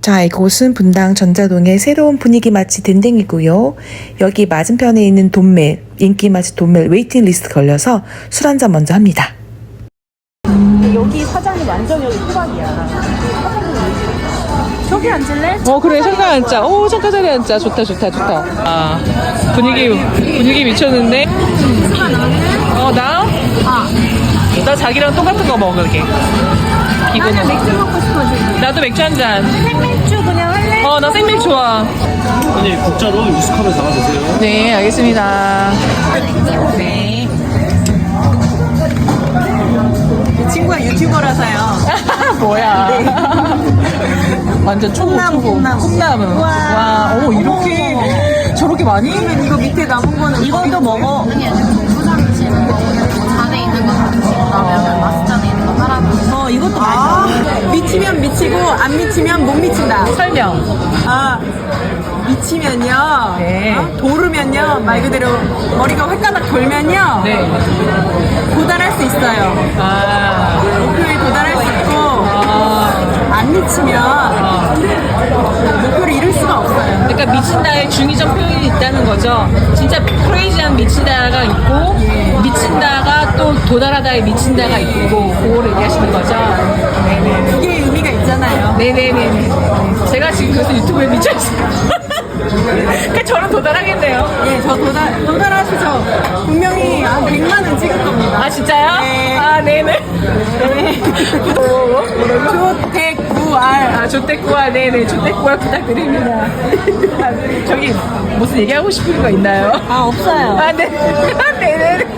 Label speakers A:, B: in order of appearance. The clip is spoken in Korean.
A: 자, 이곳은 분당 전자동의 새로운 분위기 맛집 댕댕이고요. 여기 맞은편에 있는 돈멜, 인기 맛집 돈멜 웨이팅 리스트 걸려서 술 한잔 먼저 합니다.
B: 여기 사장이 완전 여기 호박이야. 저기 앉을래?
C: 그래 잠깐 앉자. 잠깐 자리 앉자. 좋다. 아 분위기 미쳤는데. 나? 나 자기랑 똑같은 거 먹을게. 기분은.
B: 맥주 먹고 싶어 지금.
C: 나도 맥주 한 잔.
B: 생맥주 그냥 할래?
C: 나 생맥 좋아.
D: 아니 국자로 유스컵에 담아주세요.
C: 네, 알겠습니다. 네.
B: 친구가 유튜버라서요.
C: 뭐야. 완전 초보. 콩나무. 와, 이렇게 저렇게 많이?
B: 이거 밑에 남은 거는 이것도 먹어.
E: 잔에 있는 거 하나씩 그다음에 마스잔에 있는 거 하나씩
B: 이것도 맛있어. 미치면 미치고 안 미치면 못 미친다.
C: 설명.
B: 미치면요.
C: 네.
B: 도르면요. 말 그대로 머리가 획가닥 돌면요.
C: 네.
B: 도달할 수 있어요. 목표에 도달할 수 있고 안 미치면 목표를 이룰 수가 없어요.
C: 그러니까 미친다의 중의적 표현이 있다는 거죠. 진짜 크레이지한 미친다가 있고 미친다가 또 도달하다의 미친다가 있고 그거를 얘기하시는 거죠. 네네.
B: 이게 의미가 있잖아요.
C: 네네네. 제가 지금 그래서 유튜브에 미쳐있어요. 그러니까 저는 도달하겠네요.
B: 예, 저 도달하시죠. 분명히 한 100만은 찍을 겁니다.
C: 진짜요?
B: 네.
C: 네네.
B: 조택구알.
C: 조태꾸알, 네네. 조태꾸알 부탁드립니다. 저기 무슨 얘기하고 싶은 거 있나요?
B: 없어요.
C: 네. 네네.